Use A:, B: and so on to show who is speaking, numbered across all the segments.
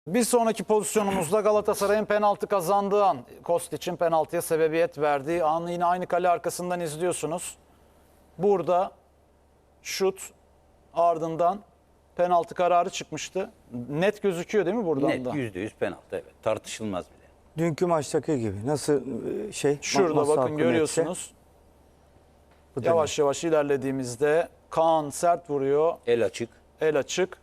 A: Bir sonraki pozisyonumuzda Galatasaray'ın penaltı kazandığı an, Kostic'in penaltıya sebebiyet verdiği anı yine aynı kale arkasından izliyorsunuz. Burada şut, ardından penaltı kararı çıkmıştı. Net gözüküyor değil mi buradan
B: Net
A: da?
B: %100 penaltı, evet. Tartışılmaz bile.
C: Dünkü maçtaki gibi. Nasıl
A: Şurada
C: masa
A: bakın
C: hakkı
A: görüyorsunuz.
C: netse,
A: Yavaş yavaş ilerlediğimizde Kaan sert vuruyor.
B: El açık.
A: El açık.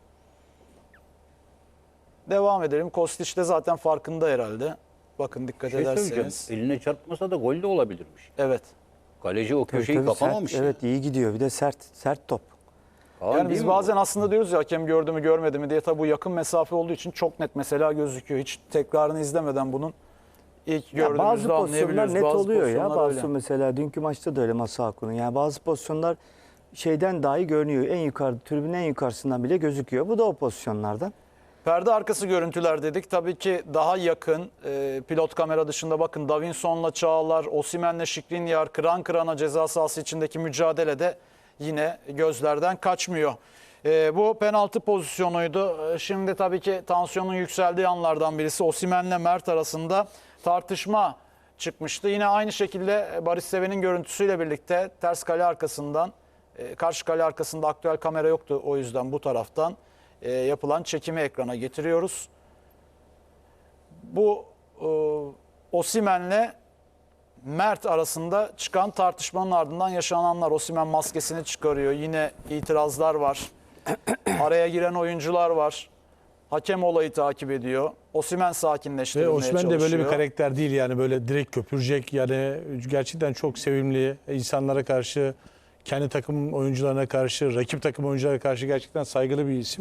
A: Devam edelim. Kostic de zaten farkında herhalde. Bakın dikkat
B: Söyleyeceğim,
A: ederseniz.
B: eline çarpmasa da gol de olabilirmiş.
A: Evet.
B: Kaleci o
C: tabii
B: köşeyi
C: tabii
B: kapamamış.
C: sert, evet iyi gidiyor. Bir de sert top.
B: Kaan
A: Yani
B: değil
A: biz
B: mi
A: bazen
B: bu?
A: aslında diyoruz ya hakem gördü mü görmedi mi diye, tabi bu yakın mesafe olduğu için çok net mesela gözüküyor. Hiç tekrarını izlemeden bunun ilk
C: Ya
A: gördüğümüzde
C: bazı pozisyonlar
A: anlayabiliyoruz.
C: net oluyor ya.
A: pozisyonlar
C: Bazı
A: öyle.
C: mesela dünkü maçta da öyle masa hakkının. Yani bazı pozisyonlar şeyden dahi görünüyor. En yukarı, tribünün en yukarısından bile gözüküyor. Bu da o pozisyonlardan.
A: Perde arkası görüntüler dedik. Tabii ki daha yakın pilot kamera dışında bakın Davinson'la Çağlar, Osimhen'le Skriniar kıran kırana ceza sahası içindeki mücadelede yine gözlerden kaçmıyor. Bu penaltı pozisyonuydu. Şimdi tabii ki tansiyonun yükseldiği anlardan birisi Osimhen'le Mert arasında tartışma çıkmıştı. Yine aynı şekilde Barış Seven'in görüntüsüyle birlikte ters kale arkasından, karşı kale arkasında aktüel kamera yoktu, o yüzden bu taraftan yapılan çekimi ekrana getiriyoruz. Bu Osimhen'le Mert arasında çıkan tartışmanın ardından yaşananlar. Osimhen maskesini çıkarıyor. Yine itirazlar var. Araya giren oyuncular var. Hakem olayı takip ediyor. Osimhen
D: Ve
A: sakinleştirilmeye
D: Osimhen
A: çalışıyor.
D: de böyle bir karakter değil yani, böyle direkt köpürecek, yani gerçekten çok sevimli, insanlara karşı, kendi takım oyuncularına karşı, rakip takım oyuncularına karşı gerçekten saygılı bir isim.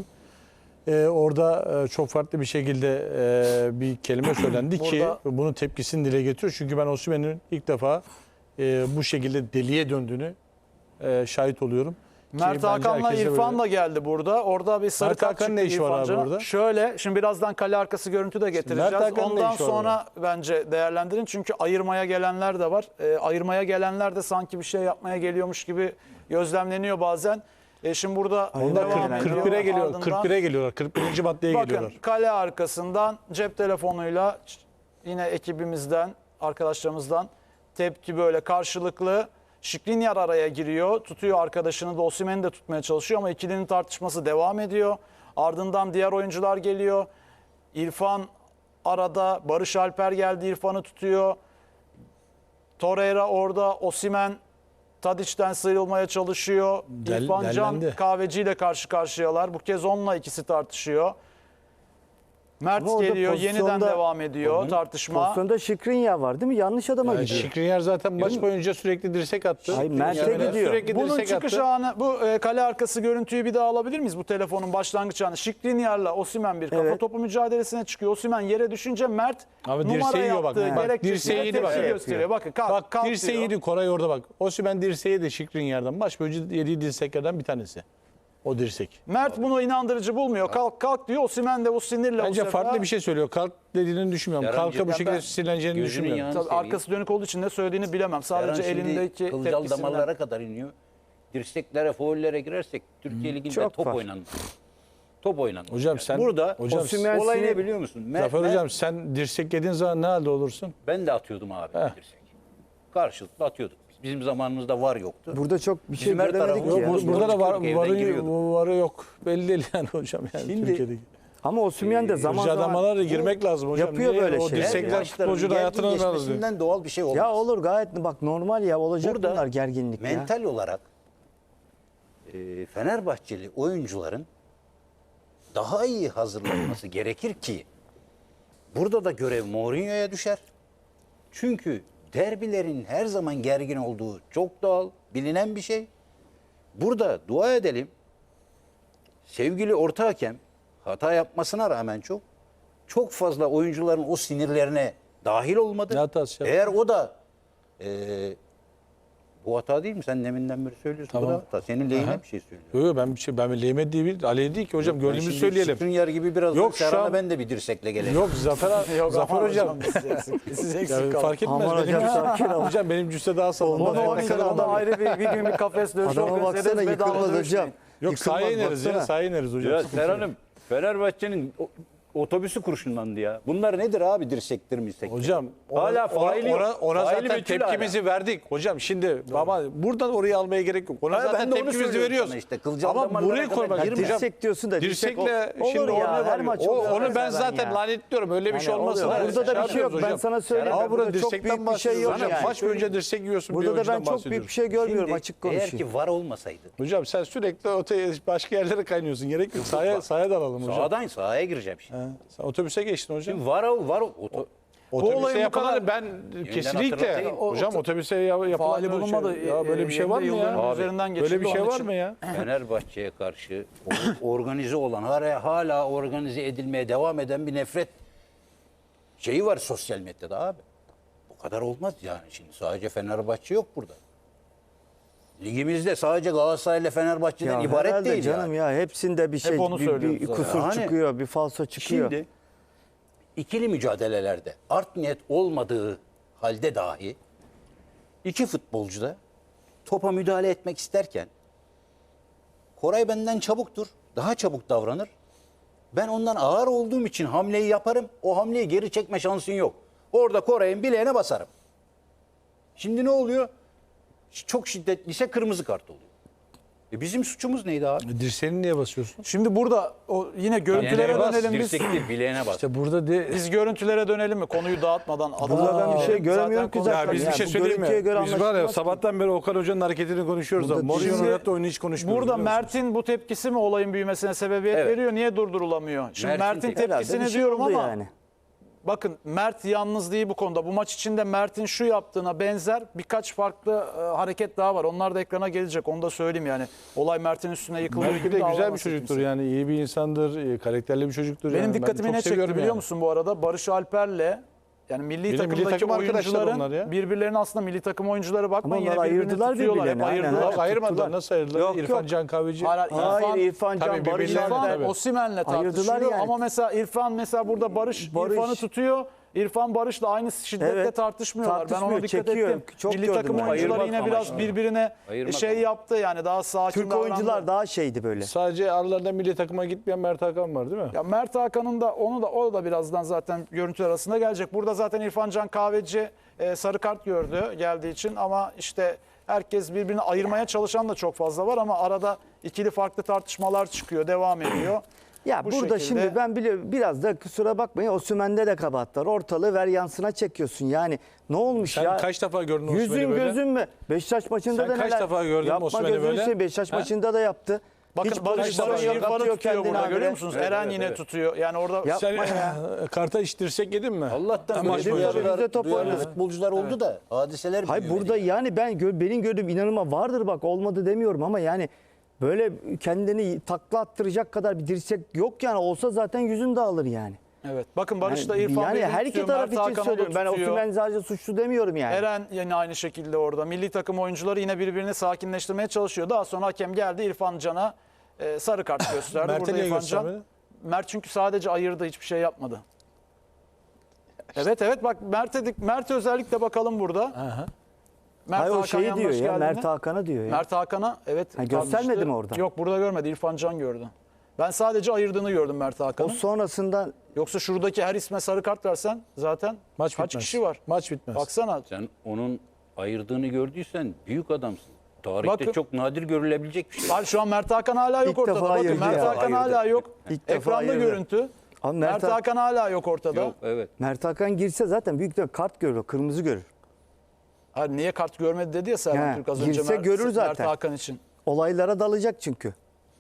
D: Orada çok farklı bir şekilde bir kelime söylendi ki
A: Burada-
D: bunun tepkisini dile getiriyor. Çünkü ben Osimhen'in ilk defa bu şekilde deliye döndüğünü şahit oluyorum. Ki
A: Mert
D: bence
A: Hakan'la
D: herkes de
A: İrfan
D: böyle-
A: da geldi burada. Orada bir sarı
D: Mert
A: kart
D: Hakan'ın
A: çıktı
D: ne işi var
A: İrfan
D: abi
A: Can'a.
D: orada?
A: Şöyle, şimdi birazdan kale arkası görüntü de getireceğiz.
D: Mert Hakan'ın ne
A: Ondan
D: işi var
A: sonra bence değerlendirin. Çünkü ayırmaya gelenler de var. Ayırmaya gelenler de sanki bir şey yapmaya geliyormuş gibi gözlemleniyor bazen. Şimdi burada
D: Onlar
A: devam ediyor.
D: 41'e geliyor,
A: Ardından
D: 41'e geliyorlar. 41. maddeye
A: bakın
D: geliyorlar.
A: kale arkasından cep telefonuyla yine ekibimizden, arkadaşlarımızdan tepki böyle karşılıklı. Skriniar araya giriyor. Tutuyor arkadaşını da, Osimhen'i de tutmaya çalışıyor ama ikilinin tartışması devam ediyor. Ardından diğer oyuncular geliyor. İrfan arada, Barış Alper geldi, İrfan'ı tutuyor. Torreira orada, Osimhen Tadiç'ten sıyrılmaya çalışıyor. İrfan Can
D: dellendi.
A: Kahveci ile karşı karşıyalar. Bu kez onunla ikisi tartışıyor. Mert
C: Ama orada
A: geliyor, yeniden
C: pozisyonda-
A: devam ediyor tartışma.
C: Pozisyonda Skriniar var değil mi? Yanlış adama gidiyor.
D: Skriniar zaten maç boyunca sürekli dirsek attı.
C: Ay, Mert'e
D: Yani
C: gidiyor.
D: Sürekli
A: Bunun
D: dirsek
A: çıkış
D: attı.
A: anı, bu kale arkası görüntüyü bir daha alabilir miyiz? Bu telefonun başlangıç anı. Skriniar'la Osimhen bir kafa
C: Evet.
A: topu mücadelesine çıkıyor. Osimhen yere düşünce Mert
D: Abi
A: numara
D: dirseği yiyor bak.
A: yaptığı
D: Bak,
A: gerekçesiyle
D: dirseği yedi bak.
A: tepki gösteriyor. Bakın kalk,
D: Bak
A: kalk
D: dirseği
A: diyor.
D: yedi Koray orada bak. Osimhen dirseği de Skriniar'dan. Maç boyunca yediği dirseklerden bir tanesi. O dirsek.
A: Mert bunu inandırıcı bulmuyor. Kalk kalk diyor. Osimhen de bu sinirle bu
D: Bence
A: sefer.
D: farklı bir şey söylüyor. Kalk dediğini düşünmüyorum.
B: Serhan
D: Kalka bu
B: Hocam,
D: şekilde
B: ben
D: sinirleneceğini
B: gözünün
D: düşünmüyorum.
B: yağını
A: Tabii
B: seveyim.
A: arkası dönük olduğu için ne söylediğini bilemem. Sadece
B: Serhan şimdi
A: elindeki
B: kılcal
A: tepkisinden.
B: damarlara kadar iniyor. Dirseklere, faullere girersek Türkiye Ligi'nde
C: çok
B: top
C: var.
B: oynanır. Top oynanır.
D: Hocam sen-
B: Burada
D: hocam,
C: Osimhen
B: olay
C: sinir-
B: ne biliyor musun?
D: Zafer Hocam sen dirsek yediğin zaman ne halde olursun?
B: Ben de atıyordum abi dirsek. Karşılıklı atıyorduk. Bizim zamanımızda var yoktu.
C: Burada çok bir şey
B: Bizim her
C: göremedik
B: tarafımız
C: ki.
B: yok.
C: ya.
B: Doğru
D: Burada da var,
B: çıkıyorduk, evden giriyorduk.
D: varı yok. Belli değil yani hocam. Yani
B: Şimdi-
D: Türkiye'deki.
C: Ama Osimhen de zaman zaman
D: Adamlara girmek lazım hocam.
C: yapıyor
D: Niye?
C: böyle
D: O
C: şeyler.
D: dirsekler futbolcunun hayatını alıyor.
B: geçmesinden doğal bir şey olmaz.
C: ya olur gayet bak normal ya olacak
B: Burada
C: bunlar gerginlik ya.
B: mental olarak Fenerbahçeli oyuncuların daha iyi hazırlanması gerekir ki burada da görev Mourinho'ya düşer. Çünkü derbilerin her zaman gergin olduğu çok doğal, bilinen bir şey. Burada dua edelim. Sevgili orta hakem hata yapmasına rağmen çok fazla oyuncuların o sinirlerine dahil olmadı.
D: Ne hatası yaptı?
B: Eğer o da bu hata değil mi? Sen deminden beri söylüyorsun. Bu
D: Tamam.
B: da hata. Senin lehine
D: Aha.
B: bir şey söylüyorum.
D: Yok yok, ben lehime değil, aleyhe değil ki hocam.
B: Ben
D: Gördüğümüzü
B: şimdi
D: söyleyelim.
B: Skriniar gibi biraz
D: Yok,
B: yok,
D: şu
B: Serhan'a
D: an-
B: ben de bir dirsekle gelelim.
D: Yok Zafer hocam.
A: Siz eksik
D: Ya,
A: kaldınız.
D: fark etmez.
C: Aman
D: benim,
C: hocam, sakin ol.
D: hocam benim cüsse daha sağlam.
A: Onu
C: Ona
A: oynayacağız. Ona ayrı bir gün bir kafes dövüşü
C: Adama
A: organize
C: baksana
A: ederiz. Bedava
C: yıkılmaz
A: dövüşmeyin.
C: hocam.
D: Yok
C: Yıkılmaz,
D: sahaya ineriz ya.
C: baksana.
D: Sahaya ineriz hocam.
B: Ya Serhan'ım Fenerbahçe'nin otobüsü kurşunlandı ya. Bunlar nedir abi, dirsektir mi?
D: Hocam
B: Hala faili yok.
D: ona
B: Faili
D: zaten
B: meçhul
D: tepkimizi verdik. Hocam şimdi baba buradan oraya almaya gerek yok. Ona
B: Ha, ben
D: zaten
B: de onu
D: tepkimizi
B: söylüyorum
D: veriyoruz.
B: sana işte, kılcal
D: Ama
B: damarlara
D: buraya
B: kadar
D: koymak.
B: girme.
D: Hocam,
C: Dirsek diyorsun da
D: dirsekle
C: olur
D: şimdi
C: ya,
D: oraya
C: her maç
D: varıyor.
C: oluyor
D: Onu ben
C: zaten
D: zaten
C: ya.
D: lanetliyorum. Öyle bir şey
C: Yani
D: olmasın.
C: oluyor.
D: Yani
C: Burada da bir şey yok.
D: yapıyoruz
C: Ben
D: hocam.
C: sana söyleyeyim.
D: Ama burada
C: Burada çok
D: dirsekten
C: büyük bir şey yok
D: bahsediyoruz.
C: yani.
D: Maç boyunca dirsek yiyorsun. bir
C: Burada da ben
D: oyuncudan
C: çok büyük bir
D: bahsediyoruz.
C: şey görmüyorum,
B: Şimdi
C: açık
B: eğer
C: konuşayım.
B: ki var olmasaydı,
D: Hocam sen sürekli başka yerlere kaynıyorsun. Gerek yok. Sahaya dalalım hocam.
B: sahaya gireceğim şimdi.
D: Sen otobüse geçtin hocam.
B: Şimdi var
D: Otobüse
A: olayın bu
D: yapılanları
A: kadar-
D: ben kesinlikle
B: hatırlatayım.
D: hocam otobüse yapılan
A: Faali bulunmadı.
D: Ya böyle bir şey var mı
A: Yılların
D: ya?
A: üzerinden
D: Böyle bir
A: geçildi,
D: şey
A: onun
D: var
A: için.
D: mı ya?
B: Fenerbahçe'ye karşı organize olan, hala organize edilmeye devam eden bir nefret şeyi var sosyal medyada abi. Bu kadar olmaz yani. Şimdi sadece Fenerbahçe yok burada. Ligimizde sadece Galatasaray ile Fenerbahçe'den
C: Ya
B: ibaret
C: herhalde
B: değil
C: canım
B: yani.
C: ya. Hepsinde bir şey,
A: onu
C: bir
A: söylüyoruz zaten.
C: kusur
B: Yani
C: çıkıyor, bir falso çıkıyor.
B: Şimdi ikili mücadelelerde art niyet olmadığı halde dahi iki futbolcu da topa müdahale etmek isterken Koray benden çabuktur, daha çabuk davranır. Ben ondan ağır olduğum için hamleyi yaparım. O hamleyi geri çekme şansın yok. Orada Koray'ın bileğine basarım. Şimdi ne oluyor? Çok şiddetliyse kırmızı kart oluyor. Bizim suçumuz neydi abi?
D: Dirseğini niye basıyorsun?
A: Şimdi burada yine görüntülere
B: Bileğine bas,
A: dönelim biz.
B: dirsek değil, bileğine bas.
D: İşte burada
A: Biz görüntülere dönelim mi? Konuyu dağıtmadan.
C: Burada ben bir şey göremiyorum ki zaten.
D: Ya biz bir
C: Yani
D: şey
C: bu
D: söyleyeyim mi?
C: görüntüye göre
D: Biz var ya
C: anlaşılmaz ki.
D: sabahtan beri Okan Hoca'nın hareketini konuşuyoruz da
C: Burada
D: Mourinho'nun
A: şimdi-
D: hayatta oyunu hiç konuşmuyoruz.
A: Burada
D: biliyor musun?
A: Mert'in bu tepkisi mi olayın büyümesine sebebiyet
B: Evet.
A: veriyor? Niye durdurulamıyor? Şimdi
B: Mert'in
A: Mert'in
B: tepkisi.
C: Herhalde
A: tepkisini
C: bir şey
A: diyorum
C: oldu
A: ama
C: yani.
A: bakın Mert yalnız değil bu konuda. Bu maç içinde Mert'in şu yaptığına benzer birkaç farklı hareket daha var. Onlar da ekrana gelecek. Onu da söyleyeyim yani. Olay Mert'in üstüne yıkılıyor
D: Belki
A: gibi
D: de güzel bir
A: davranmasın
D: çocuktur
A: kimse.
D: yani iyi bir insandır, karakterli bir çocuktur.
A: Benim
D: yani. Ben
A: dikkatimi
D: çok
A: ne çekti
D: seviyorum
A: biliyor
D: yani.
A: musun bu arada? Barış Alper'le yani milli
D: Bir de milli
A: takımdaki
D: takım arkadaşlar onlar
A: oyuncuların
D: ya.
A: birbirlerinin aslında milli takım oyuncuları bakmayın
C: Ama
A: yine
C: onlar
A: birbirini
C: ayırdılar
A: tutuyorlar. Hep
C: birbirlerini, aynen.
A: ayırdılar.
C: Evet,
D: Ayırmadılar.
C: tuttular.
D: Nasıl ayırdılar?
C: Yok,
D: İrfan
C: yok.
D: Can Kahveci.
C: Hayır, İrfan
D: Tabii
C: Can, Barış
D: birbirlerine-
C: Alper.
A: İrfan Osimhen'le
C: Ayırdılar
A: tartışıyor
C: yani.
A: ama mesela İrfan mesela burada Barış İrfan'ı tutuyor. İrfan Barış'la aynı şiddetle
C: Evet.
A: tartışmıyorlar. Ben ona
C: Tartışmıyor,
A: dikkat
C: çekiyor.
A: ettim.
C: Çok
A: Milli
C: gördüm
A: takım
C: ben.
A: oyuncuları
B: Ayırmak
A: yine biraz
B: amaçlı.
A: birbirine
B: Ayırmak
A: şey
B: amaçlı.
A: yaptı yani daha sakin
C: Türk
A: davrandı.
C: oyuncular daha şeydi böyle.
D: Sadece aralarında milli takıma gitmeyen Mert Hakan var değil mi?
A: Ya Mert Hakan'ın da o da birazdan zaten görüntüler arasında gelecek. Burada zaten İrfan Can Kahveci sarı kart gördü geldiği için ama işte herkes birbirini ayırmaya çalışan da çok fazla var ama arada ikili farklı tartışmalar çıkıyor, devam ediyor.
C: Ya
A: Bu
C: burada
A: şekilde-
C: şimdi ben biliyorum biraz da kusura bakmayın Osimhen'de de kabahat var. Ortalığı ver yansına çekiyorsun. Yani ne olmuş
D: Sen
C: ya?
D: kaç defa gördün Osimhen'i
C: Yüzün
D: böyle?
C: gözün mü? Beşiktaş maçında
D: Sen
C: da
D: kaç
C: neler?
D: defa gördün
C: Yapma
D: Osimhen'i
C: gözünü
D: böyle?
C: seveyim. Beşiktaş
D: Ha?
C: maçında da yaptı.
A: Bakın
C: Hiç
A: Barış
C: pozisyonu
A: Barış
C: yok,
A: İrfan'ı
C: atıyor
A: tutuyor
C: kendini
A: burada
C: habire.
A: görüyor musunuz?
B: Evet,
A: Eren
B: evet,
A: yine
B: evet.
A: tutuyor. Yani orada
C: Ya-
D: Sen
C: Yapma ya.
D: karta hiç dirsek yedin mi?
B: Allah'tan
D: Maç
B: böyle
D: boyunca.
B: duyarlı,
C: Top
B: duyarlı
C: oynadı.
B: futbolcular oldu da hadiseler
C: Hayır
B: büyümedi.
C: burada yani benim gördüğüm inanılmaz vardır bak olmadı demiyorum ama yani böyle kendini takla attıracak kadar bir dirsek yok yani olsa zaten yüzün dağılır yani.
A: evet. Bakın Barış da İrfan
C: yani
A: birbirini
C: her iki
A: tutuyor,
C: taraf
A: Mert
C: için
A: Hakan'ı da
C: söylüyorum. Ben
A: tutuyor.
C: Osimhen sadece suçlu demiyorum yani.
A: Eren yine aynı şekilde orada. Milli takım oyuncuları yine birbirini sakinleştirmeye çalışıyor. Daha sonra hakem geldi İrfan Can'a sarı kart gösterdi.
D: Mert'e
A: Burada
D: niye
A: İrfan Can.
D: göstermedi?
A: Mert çünkü sadece ayırdı, hiçbir şey yapmadı. Evet bak Mert'e özellikle bakalım burada. Mert
C: Hayır o
A: Hakan
C: şeyi
A: yanlış
C: diyor ya
A: geldiğinde-
C: Mert Hakan'a diyor ya.
A: Mert Hakan'a evet.
C: Ha, göstermedi
A: tartıştı.
C: mi orada?
A: Yok burada görmedi. İrfan Can gördü. Ben sadece ayırdığını gördüm Mert
C: O
A: Hakan'ın.
C: sonrasında
A: Yoksa şuradaki her isme sarı kart versen zaten
D: Maç
A: kaç
D: bitmez.
A: kişi var?
D: Maç bitmez.
A: Baksana.
B: Sen onun ayırdığını gördüysen büyük adamsın. Tarihte
A: Bakın.
B: çok nadir görülebilecek bir şey.
A: Var şu an Mert Hakan hala yok
C: İlk
A: ortada.
C: defa
A: Bakın
C: ayırdı
A: Mert
C: ya.
A: Hakan
B: Ayırdı.
A: hala yok.
C: İlk defa
A: Ekranda
C: ayırdı.
A: görüntü.
C: Ama
A: Mert Hakan hala yok ortada.
B: Yok, evet.
C: Mert Hakan girse zaten büyük de kart görür, kırmızı görür.
A: Hayır, niye kart görmedi dedi ya Serhan
C: He,
A: Türk az önce
C: girse görür
A: Mert
C: zaten.
A: Hakan için.
C: Olaylara dalacak çünkü.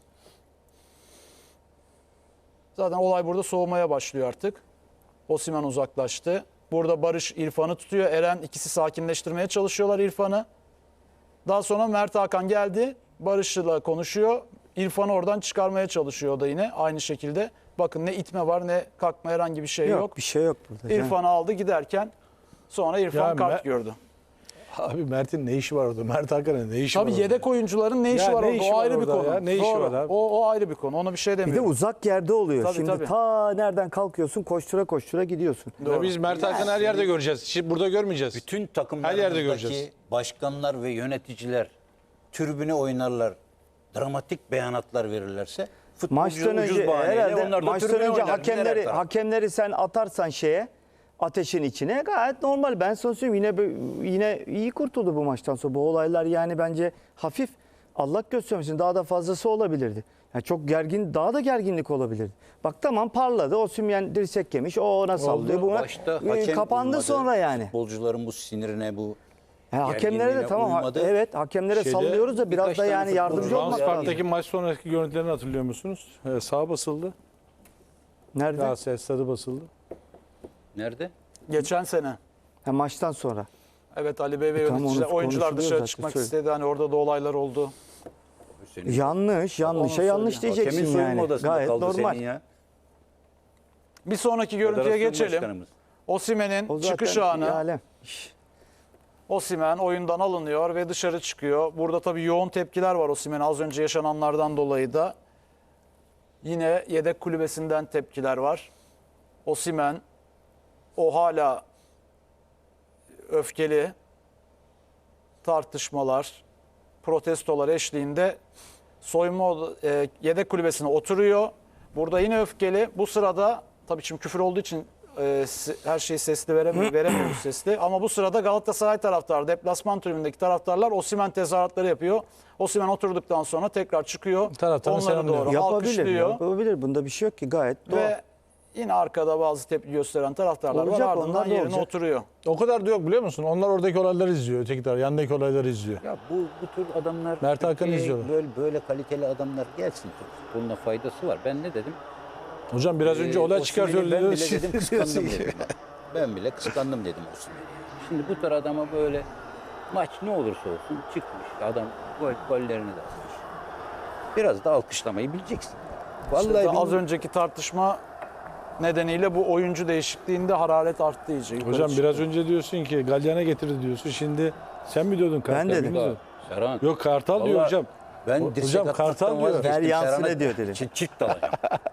A: Zaten olay burada soğumaya başlıyor artık. Osimhen uzaklaştı. Burada Barış İrfan'ı tutuyor. Eren ikisi sakinleştirmeye çalışıyorlar İrfan'ı. Daha sonra Mert Hakan geldi. Barış'la konuşuyor. İrfan'ı oradan çıkarmaya çalışıyor o da yine aynı şekilde. Bakın ne itme var ne kalkma herhangi bir şey yok.
C: Bir şey yok burada. canım.
A: İrfan'ı aldı giderken sonra İrfan
D: Ya
A: kart
D: Me-
A: gördü.
D: Abi Mert'in ne işi var orada? Mert Hakan'ın ne işi var
A: Tabii
D: orada?
A: yedek oyuncuların ne işi
D: Ya
A: var
D: ne
A: orada?
D: işi
A: O
D: var
A: ayrı bir
D: orada
A: konu.
D: ya? Ne işi
A: Doğru.
D: var abi?
A: O ayrı bir konu. Ona bir şey
C: Bir de
A: demiyorum.
C: uzak yerde oluyor.
A: Tabii,
C: Şimdi
A: tabii.
C: ta nereden kalkıyorsun koştura koştura gidiyorsun.
D: Ya biz Mert Hakan'ı her yerde göreceğiz. Şimdi burada görmeyeceğiz.
B: Bütün
D: Her yerde
B: takımlarımızdaki
D: göreceğiz.
B: başkanlar ve yöneticiler tribüne oynarlar, dramatik beyanatlar verirlerse
C: Maçtan önce
B: ucuz bahaneyle
C: herhalde
B: onlar da
C: maçtan
B: tribüne
C: önce
B: oynar, gider her taraf.
C: hakemleri sen atarsan ateşin içine gayet normal. Ben sana söyleyeyim yine iyi kurtuldu bu maçtan sonra. Bu olaylar yani bence hafif. Allah göstermesin, daha da fazlası olabilirdi. Yani çok gergin, daha da gerginlik olabilirdi. Bak tamam, parladı. Osimhen dirsek yemiş. O ona sallıyor. Bu
B: Başta hakem
C: kapandı
B: uymadı.
C: sonra yani.
B: Futbolcuların bu sinirine, bu
C: Yani hakemlere de
B: gerginliğine
C: tamam
B: uymadı.
C: evet, hakemlere
D: Şeyde
C: sallıyoruz da biraz
B: birkaç
C: da
B: tane
C: yani yardımcı
B: futbolcu
C: olmak
B: Rams
C: lazım.
D: Park'taki maç sonraki görüntülerini hatırlıyor musunuz? Saha basıldı.
C: Nerede?
D: Galatasaray stadı basıldı.
B: Nerede?
A: Geçen sene.
C: Ha, maçtan sonra.
A: Evet, Ali Bey ve
C: Tamam,
A: yöneticiler,
C: onu
A: oyuncular
C: konuşuluyor
A: dışarı
C: zaten,
A: çıkmak
C: söyle.
A: istedi. Hani orada da olaylar oldu.
B: Senin
C: Yanlış. Yanlış
A: söyleyeyim.
C: diyeceksin
B: hakemin soyunma
C: yani.
B: odasında
C: Gayet
B: kaldı
C: normal.
B: senin ya.
A: Bir sonraki görüntüye
B: Federasyon
A: geçelim.
B: başkanımız.
A: Osimhen'in
C: O zaten
A: çıkış
C: bir
A: anı.
C: alem.
A: Osimhen oyundan alınıyor ve dışarı çıkıyor. Burada tabii yoğun tepkiler var Osimhen'e az önce yaşananlardan dolayı da. Yine yedek kulübesinden tepkiler var. Osimhen o hala öfkeli tartışmalar, protestolar eşliğinde yedek kulübesine oturuyor. Burada yine öfkeli. Bu sırada tabii şimdi küfür olduğu için her şeyi sesli veremiyoruz sesli. Ama bu sırada Galatasaray taraftarı, deplasman tribündeki taraftarlar Osimhen tezahüratları yapıyor. Osimhen oturduktan sonra tekrar çıkıyor.
D: Taraftarı
A: Onları
D: selamlıyor.
A: doğru
C: Yapabilir.
A: alkışlıyor.
C: Yapabilir. Bunda bir şey yok ki. Gayet doğal.
A: Ve yine arkada bazı tepki gösteren taraftarlar
C: Olacak,
A: var.
C: onlar
A: Ardından
C: da
A: yerine
C: olacak.
A: oturuyor.
D: O kadar da yok biliyor musun? Onlar oradaki olayları izliyor. Öteki taraf yandaki olayları izliyor.
B: Ya bu tür adamlar,
D: Mert Hakan'ı
B: Türkiye'ye
D: izliyorlar.
B: böyle kaliteli adamlar gelsin. Türk futboluna faydası var. Ben ne dedim?
D: Hocam biraz önce olay
B: Osimhen'i
D: çıkartıyor.
B: Ben bile dedim kıskandım dedim. Ben bile kıskandım dedim Osimhen'i. Şimdi bu tür adama böyle maç ne olursa olsun çıkmış. Adam gollerini de atmış. Biraz da alkışlamayı bileceksin. Vallahi
A: İşte az
B: bilmiyorum.
A: önceki tartışma nedeniyle bu oyuncu değişikliğinde hararet arttı iyice. yukarı
D: Hocam
A: çıktı.
D: biraz önce diyorsun ki Galyan'a getirdi diyorsun. Şimdi sen mi diyordun Kartal?
C: dedim.
D: bilmiyorum.
B: Serhan,
D: Yok Kartal diyor
B: Vallahi
D: hocam.
B: ben dirsek
D: Hocam
B: atmaktan
D: Kartal diyor.
B: vazgeçtim.
C: Ver yansın
B: Serhan'a
C: ediyor dedi.
B: Çift dalacağım.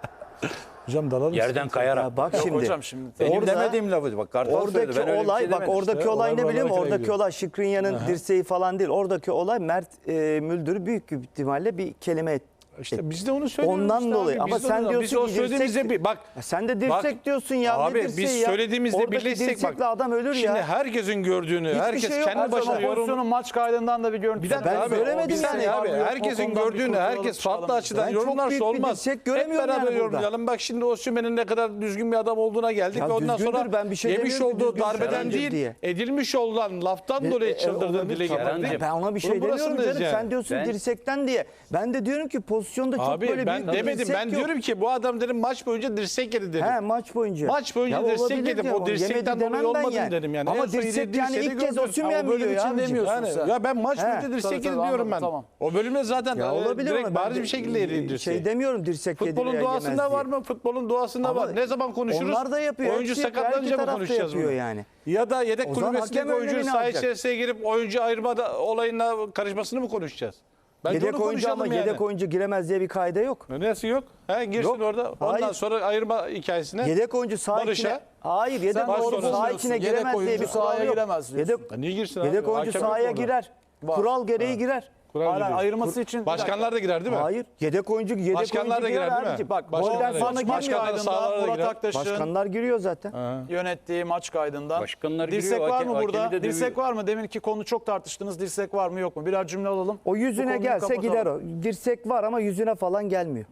D: Hocam dalalım.
B: Yerden kayarak.
C: Ya bak
A: Yok
C: şimdi.
A: hocam şimdi.
B: Benim
C: Orada-
B: demediğim lafı. Bak Kartal söyledi.
C: Oradaki
B: Ben öyle bir
C: olay
B: şey
C: bak
B: demedim.
C: oradaki
D: İşte
C: olay ne
D: olay
C: biliyor musun?
D: buralara
C: Oradaki
D: gidiyor.
C: olay Skriniar'ın dirseği falan değil. Oradaki olay Mert Müldür'ü büyük bir ihtimalle bir kelime etti.
D: İşte biz de onu söylüyoruz.
C: Ondan
D: işte
C: dolayı.
D: abi.
C: Ama
D: Biz de
C: sen
D: onu-
C: diyorsun
D: biz o
C: ki
D: söylediğimizde
C: dirsek-
D: bak.
C: Ya sen de dirsek
D: bak,
C: diyorsun ya.
D: Abi
C: ne dirseği
D: biz
C: ya?
D: söylediğimizde
C: Oradaki
D: birleşsek
C: dirsekle
D: bak.
C: adam ölür
D: Şimdi
C: ya.
D: herkesin gördüğünü,
C: Hiçbir
D: herkes
C: şey yok.
D: kendi
C: Her zaman
D: başına yorum.
A: Pozisyonun maç kaydından da bir görüntü.
D: Bir dakika
C: Ben
D: abi.
C: söylemedim
D: Bir saniye
C: yani.
D: abi.
A: Var mı yok, o
D: Herkesin
A: konudan bir
D: gördüğünü,
A: kurtulalım,
D: herkes
A: çıkalım.
D: farklı açıdan
C: Ben çok
D: yorumlarsa
C: büyük bir
D: olmaz.
C: dirsek
D: Hep
C: göremiyorum
D: beraber
C: yani burada.
D: yorumlayalım. Bak şimdi Osimhen'in ne kadar düzgün bir adam olduğuna geldik
C: Ya
D: ve ondan
C: düzgündür,
D: sonra
C: ben bir şey
D: yemiş
C: demiyorum ki
D: olduğu
C: düzgün
D: darbeden
C: Serhan'cığım
D: değil,
C: diye.
D: edilmiş olan laftan dolayı çıldırdığını
C: olabilir.
D: dile
B: Serhan'cığım,
D: getirdik.
C: Ben ona bir şey
D: Bunun
C: demiyorum
D: burasındayız
C: canım.
D: yani.
C: Sen diyorsun
B: Ben-
C: dirsekten diye. Ben de diyorum ki pozisyonda çok
D: Abi
C: böyle
D: ben
C: büyük bir
D: demedim.
C: dirsek
D: Ben
C: yok.
D: diyorum ki bu adam dedim maç boyunca dirsek yedi dedim.
C: He, maç boyunca.
D: Maç boyunca
C: Ya
D: dirsek
C: olabilir
D: yedim.
C: diyorum,
D: O dirsekten
C: yemedi
D: dolayı
C: demem ben
D: olmadım
C: yani.
D: dedim yani. En
C: Ama
D: son
C: dirsek
D: yediği
C: yani
D: dirseği
C: ilk kez
D: gördüm.
C: Osimhen
A: Ha, o bölüm
C: yiyor
A: için
C: ya.
A: demiyorsun
D: Yani,
A: sen.
D: ya ben maç
C: He.
D: boyunca dirsek
A: Tabii,
D: yedi
A: tabii,
D: diyorum
A: anladım,
D: ben.
A: tamam.
D: O bölümde zaten
C: Ya olabilir
D: direkt
C: ama ben
D: bariz bir şekilde yedi dirseği.
C: şey demiyorum dirsek yedi
D: Futbolun
C: veya
D: doğasında
C: yemez
D: var
C: diye.
D: mı? Futbolun doğasında
C: Ama
D: var. Ne zaman konuşuruz?
C: onlar da yapıyor,
D: Oyuncu
C: hepsi yapıyor, her iki
D: sakatlanınca mı
C: taraf da
D: konuşacağız
C: yapıyor
D: bunu?
C: yani.
D: Ya da yedek
C: O zaman
D: kulübesindeki
C: hakem
D: oyuncunun
C: önlemini
D: saha
C: alacak.
D: içerisine girip oyuncu ayırma olayına karışmasını mı konuşacağız? Bence
C: Yedek
D: onu
C: oyuncu ama
D: konuşalım yani.
C: yedek oyuncu giremez diye bir kaide yok.
D: Nasıl yok? He, girsin
C: Yok.
D: orada. Ondan
C: Hayır.
D: sonra ayırma hikayesine.
C: Yedek oyuncu saha
D: Barış'a.
C: içine... Hayır, yedek
A: Sen
C: oyuncu
A: doğru
C: saha
A: bulmuyorsun.
C: içine
A: Yedek
C: giremez diye
A: oyuncu
C: bir kural
A: sahaya
C: yok.
A: giremez diyorsun.
C: Yedek,
D: Ya niye girsin abi?
C: yedek oyuncu
D: Hakem yok
C: sahaya
D: orada.
C: girer.
A: Var.
C: Kural gereği girer.
D: Kural
A: Hala
D: giriyor.
A: ayırması için
D: Başkanlar da girer değil mi?
C: Hayır. Yedek oyuncu
D: Başkanlar da girer değil mi?
C: abicim.
A: Bak
D: Başkanlar
C: golden
D: da
C: sonra
D: girer.
C: girmiyor.
A: maç
D: Başkanlar sahalara
A: kaydından
D: da
A: Murat
D: girer.
A: Aktaş'ın
C: Başkanlar giriyor zaten.
A: yönettiği maç kaydından.
B: Başkanlar
A: Dirsek
B: giriyor,
A: var mı
B: hakemi
A: burada?
B: de
A: Dirsek
B: dövüyor.
A: var mı? Deminki konu çok tartıştınız. Dirsek var mı yok mu? Birer cümle alalım.
C: O
A: Bu
C: yüzüne
A: konuyu
C: gelse
A: kapatalım.
C: gider o. Dirsek var ama yüzüne falan gelmiyor.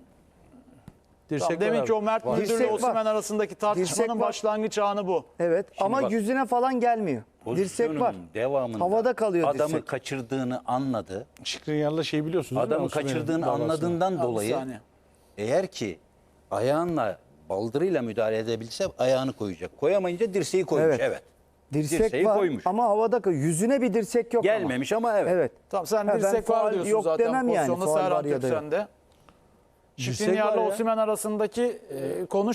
D: Dirsek
A: Tamam, deminki
D: var.
A: o Mert Müldür ile
C: Dirsek var.
A: Osimhen arasındaki tartışmanın
C: Dirsek var.
A: başlangıç anı bu.
C: Evet ama
B: bak-
C: yüzüne falan gelmiyor. Dirsek var.
B: Pozisyonun devamında
C: Havada kalıyor
B: adamı
C: dirsek.
B: kaçırdığını anladı.
D: Şikrinyar'la şeyi biliyorsunuz değil mi?
B: Adamı
D: Osimhen'in
B: kaçırdığını
D: davasını.
B: anladığından
A: Bir
B: dolayı
A: saniye.
B: eğer ki ayağınla baldırıyla müdahale edebilse ayağını koyacak. Koyamayınca dirseği koymuş.
C: Evet.
B: Evet.
C: Dirsek
B: Dirseği
C: var
B: koymuş.
C: ama havada kalıyor. Yüzüne bir dirsek yok
B: Gelmemiş ama evet.
C: ama. Evet.
A: Tamam sen
C: Ha, ben
A: dirsek var
C: faul
A: diyorsun
C: yok
A: zaten
C: demem yani,
A: pozisyonda
C: faul
A: Serhan
C: var ya da yok.
A: Türksen'de.
D: Dirsek
A: Şikrinyar'la
D: var ya.
A: Osimhen arasındaki konu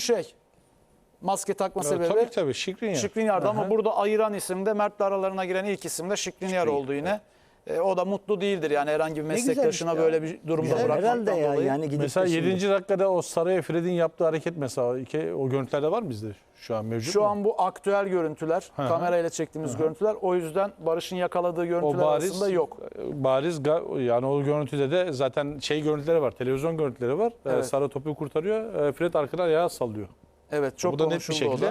A: maske takma
D: Ya,
A: sebebi.
D: tabii Şikrinyar.
A: Şikrinyar'da ama
D: Aha.
A: burada ayıran isim de Mert'le aralarına giren ilk isim de Şikrinyar oldu yine. O da mutlu değildir yani herhangi bir
B: güzelmiş
A: meslektaşına
B: ya.
A: böyle bir durumda
B: Güzel.
A: bırakmaktan
C: Herhalde ya
A: dolayı.
C: yani gidip
D: Mesela
C: de şimdi-
D: 7. dakikada o Saraya Fred'in yaptığı hareket mesela o görüntülerde var mı bizde şu an mevcut
A: Şu
D: mu?
A: an bu aktüel görüntüler, kamerayla çektiğimiz görüntüler. O yüzden Barış'ın yakaladığı
D: O
A: görüntüler arasında yok.
D: Bariz yani o görüntüde de zaten görüntüleri var. Televizyon görüntüleri var.
A: Evet.
D: Sara topu kurtarıyor. Fred arkadan ayağı sallıyor.
A: Evet, çok
D: Bu da net bir
A: konuşuldu o
D: şekilde.
A: da.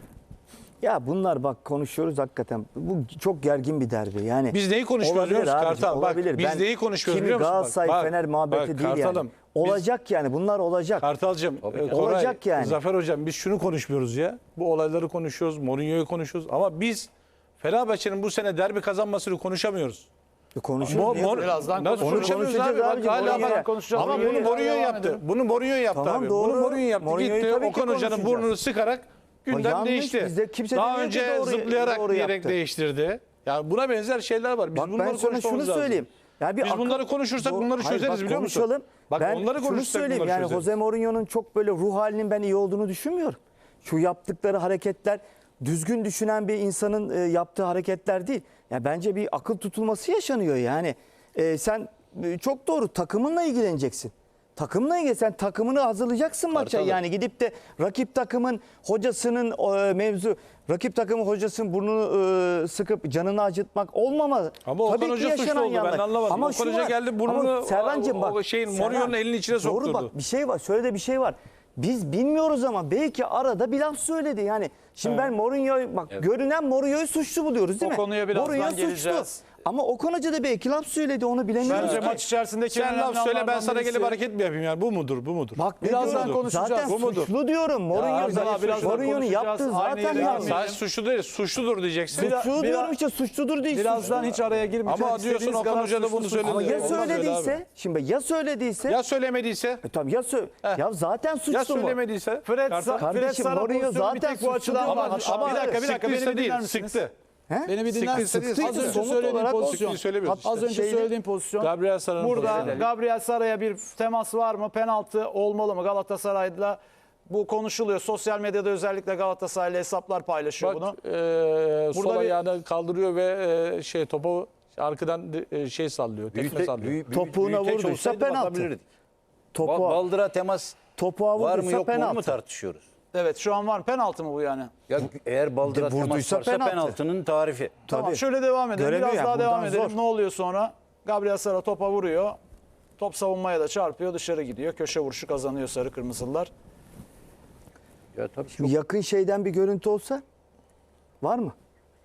C: Ya bunlar bak konuşuyoruz hakikaten. Bu çok gergin bir derbi. Yani
D: Biz neyi konuşuyoruz
C: olabilir
D: biliyor musun
C: abicim,
D: Kartal? Bak
C: olabilir.
D: biz
C: Ben
D: neyi konuşuyoruz
C: kimi
D: biliyor musun?
C: Galatasaray
D: Bak,
C: Fener muhabbeti
D: bak,
C: değil
D: Kartalım,
C: yani. Olacak yani bunlar olacak.
D: Kartal'cığım, Koray,
C: Olacak yani.
D: Zafer Hocam biz şunu konuşmuyoruz ya. Bu olayları konuşuyoruz, Mourinho'yu konuşuyoruz. Ama biz Fenerbahçe'nin bu sene derbi kazanmasını konuşamıyoruz.
C: Konuşuyoruz.
A: Birazdan
D: Nasıl
A: konuşacağız.
D: konuşamıyoruz abi? Bak,
C: abicim,
D: hala
C: Mourinho'ya.
D: bak.
A: konuşacağız.
D: Ama
A: Mourinho'ya
D: bunu Mourinho
A: devam
D: yaptı.
A: edelim.
D: Bunu Mourinho yaptı
C: Tamam,
D: abi.
C: doğru.
D: Bunu Mourinho yaptı.
C: Mourinho'yu
D: Gitti
C: tabii ki
D: Okan Hoca'nın
C: konuşacağız.
D: burnunu sıkarak gündem
C: yanlış,
D: değişti.
C: bizde kimse
D: Daha
C: demiyor ki
D: önce
C: doğru-
D: zıplayarak
C: doğru
D: diyerek
C: yaptı.
D: değiştirdi. Yani buna benzer şeyler var. Biz
C: Bak
D: bunları
C: ben sana şunu
D: konuşmamız lazım.
C: söyleyeyim. Ya
D: Biz bunları konuşursak bunları
C: Hayır,
D: çözeriz
C: bak
D: biliyor musun?
C: konuşalım.
D: Bak
C: ben
D: onları
C: şunu
D: konuşsak
C: söyleyeyim
D: bunları
C: yani
D: çözeriz.
C: Jose Mourinho'nun çok böyle ruh halinin ben iyi olduğunu düşünmüyorum. Şu yaptıkları hareketler düzgün düşünen bir insanın yaptığı hareketler değil. Ya bence bir akıl tutulması yaşanıyor yani. Sen çok doğru takımınla ilgileneceksin. Takımla ilgili sen takımını hazırlayacaksın maça.
B: Kartalım.
C: Yani gidip de rakip takımın hocasının mevzu rakip takımın hocasının burnunu sıkıp canını acıtmak olmamalı.
D: Ama Okan
C: Tabii ki
D: Hoca suçlu
C: yaşanan
D: oldu. Ben
C: yanlar.
D: anlamadım.
C: Ama
D: Okan
C: şu
D: Hoca
C: var.
D: geldi burnunu
C: Ama Serhancığım bak.
D: Mourinho'nun elinin içine
C: Doğru
D: sokturdu.
C: bak bir şey var. Şöyle de bir şey var. Biz bilmiyoruz ama belki arada bir laf söyledi. Yani şimdi ben Mourinho'yu bak görünen Mourinho'yu suçlu buluyoruz değil
A: O
C: mi?
A: konuya birazdan
C: Mourinho suçlu.
A: geleceğiz.
C: Ama Okan Hoca da belki laf söyledi onu bilemiyoruz.
A: Bence
C: ki.
A: maç içerisindeki
D: Sen
A: önemli
D: laf söyle ben
A: anlardan
D: sana gelip
A: birisi-
D: hareket mi yapayım yani bu mudur bu mudur?
C: Bak ne
A: Birazdan
C: diyorum?
A: konuşacağız.
C: Zaten
D: Bu mudur?
C: suçlu diyorum.
A: birazdan
C: Mourinho'nun yaptığı
A: konuşacağız. Aynı
C: zaten
A: yere
C: yanlış.
A: gelmeyelim.
D: Sadece suçlu değil suçludur diyeceksin.
C: Suçlu diyorum işte suçludur değil.
A: Birazdan
C: suçlu.
A: hiç araya girmeyeceğiz.
D: Ama diyorsun
A: İstediğiniz
D: Okan
A: kadar
D: Hoca da bunu
A: suçlusunuz.
D: söyledi.
C: Ama ya
D: Olmaz öyle
C: söylediyse,
D: abi.
C: şimdi ya söylediyse,
D: Ya söylemediyse?
C: tamam ya zaten suçlu
D: Ya
C: mu?
D: söylemediyse?
A: Fred,
D: Kartal-
A: Fred
C: Kardeşim,
A: Sara
C: Mourinho
A: pozisyonu bir
C: zaten
A: tek bu açıdan
C: suçlu
A: var.
C: değil.
A: Ama bir dakika
D: Sıktıysa
A: beni
D: değil,
A: dinler misiniz?
D: sıktı.
C: He?
A: Beni bir dinler
D: Sıktıysa
A: misiniz?
D: değil,
A: Az
D: sıktı.
A: önce
C: Somut
A: söylediğim
C: olarak o
A: pozisyon.
D: sıktıyı söylemiyoruz işte.
A: Az önce
C: Şeyde-
A: söylediğim pozisyon.
D: Gabriel Sara'nın
A: Burada
D: pozisyonu.
A: Gabriel Sara'ya bir temas var mı? Penaltı olmalı mı? Galatasaray'la bu konuşuluyor. Sosyal medyada özellikle Galatasaraylı hesaplar paylaşıyor bunu.
D: Bak sol
A: Burada bir-
D: ayağını kaldırıyor ve topu arkadan sallıyor. Tekme sallıyor.
C: Topuğuna vurduysa penaltı. Topuğa,
B: Baldıra temas
C: topuğa
B: var mı
C: vurduysa
B: yok mu onu mu
C: penaltı.
B: tartışıyoruz?
A: Evet şu an var mı? Penaltı mı bu yani?
B: Ya eğer baldıra temas
C: vurduysa
B: varsa
C: penaltı.
B: penaltının tarifi.
A: Tamam
C: Tabii.
A: şöyle devam edelim.
C: Göremiyor
A: Biraz
C: yani,
A: daha devam
C: buradan
A: edelim.
C: zor.
A: Ne oluyor sonra? Gabriel Sara topa vuruyor. Top savunmaya da çarpıyor. Dışarı gidiyor. Köşe vuruşu kazanıyor sarı kırmızılar.
B: Ya tabii çok
C: Yakın şeyden bir görüntü olsa var mı?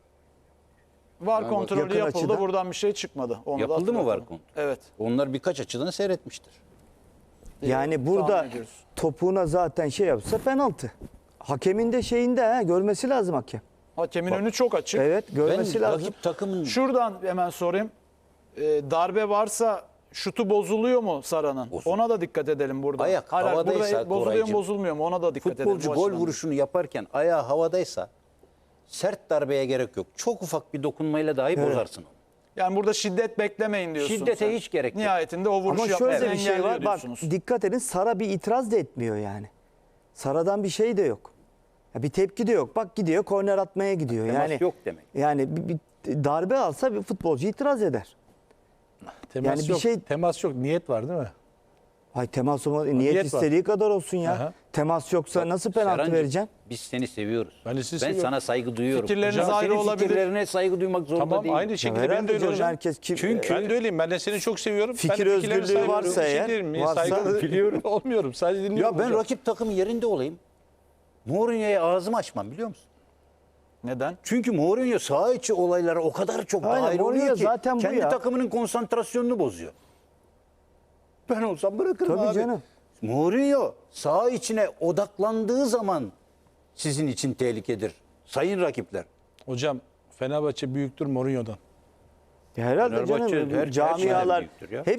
A: VAR kontrolü
C: yakın
A: yapıldı.
C: açıdan.
A: Buradan bir şey çıkmadı. Onu da
B: Yapıldı mı VAR
A: hatırlatalım.
B: kontrolü?
A: Evet.
B: onlar birkaç açıdan seyretmiştir.
C: Yani burada
A: tahmin ediyoruz.
C: topuğuna zaten şey yapsa penaltı. Hakemin de şeyinde görmesi lazım hakem.
A: Hakemin önü çok açık.
C: Evet görmesi
B: Ben
C: lazım.
B: rakip takımın
A: Şuradan hemen sorayım. Darbe varsa şutu bozuluyor mu Sara'nın?
B: Bozuluyor.
A: Ona da dikkat edelim burada.
B: Ayak
A: Hayır,
B: havadaysa
A: burada bozuluyor mu
B: Koraycığım,
A: bozulmuyor mu? Ona da dikkat edelim.
B: futbolcu
A: bu
B: gol
A: açıdan.
B: vuruşunu yaparken ayağı havadaysa sert darbeye gerek yok. Çok ufak bir dokunmayla dahi bozarsın onu.
A: Yani burada şiddet beklemeyin diyorsun.
B: Şiddete
A: sen.
B: hiç gerek yok.
A: Nihayetinde o vuruş
C: Ama
A: yapmayı
C: şöyle bir şey
A: engelliyor
C: var. Bak
A: diyorsunuz.
C: dikkat edin Sara bir itiraz da etmiyor yani. Sara'dan bir şey de yok. Ya bir tepki de yok. Bak gidiyor korner atmaya gidiyor.
B: Temas
C: Yani
B: yok demek.
C: Yani bir darbe alsa bir futbolcu itiraz eder.
D: Temas
C: Yani bir
D: yok.
C: şey-
D: Temas yok. Niyet var değil mi?
C: Ay temas niyet
D: Niyet var.
C: istediği kadar olsun ya.
D: Aha.
C: Temas yoksa nasıl penaltı
B: Serhancığım,
C: vereceksin?
B: Biz seni seviyoruz.
D: Ben de sizi
B: Ben
D: seviyorum.
B: sana saygı duyuyorum.
A: Fikirleriniz
B: Ama
A: ayrı
B: senin
A: olabilir.
B: fikirlerine saygı duymak zorunda
D: Tamam
B: değilim.
D: aynı şekilde ben
C: Herhalde
D: de öyle
C: canım,
D: hocam.
C: herkes kim?
D: Çünkü ben de öyleyim. Ben de seni çok seviyorum.
C: Fikir
D: Ben de fikirlerine
C: özgürlüğü
D: saygı
C: varsa
D: duyuyorum. Bir
C: eğer,
D: şey değilim.
C: varsa-
D: Saygılı biliyorum. Olmuyorum. Sadece dinliyorum
B: Ya ben
D: hocam.
B: rakip takım yerinde olayım. Mourinho'ya ağzımı açmam biliyor musun?
A: Neden?
B: Çünkü Mourinho saha içi olaylara o kadar çok
C: Aynen,
B: dahil
C: Mourinho
B: oluyor ki
C: zaten bu
B: kendi
C: ya.
B: takımının konsantrasyonunu bozuyor. Ben olsam bırakırım
C: Tabii
B: abi.
C: canım.
B: Mourinho saha içine odaklandığı zaman sizin için tehlikedir. Sayın rakipler.
D: Hocam Fenerbahçe büyüktür Mourinho'dan.
C: Ya herhalde
B: Fenerbahçe
C: canım
B: her şeyden
C: camialar
B: büyüktür ya.
C: hep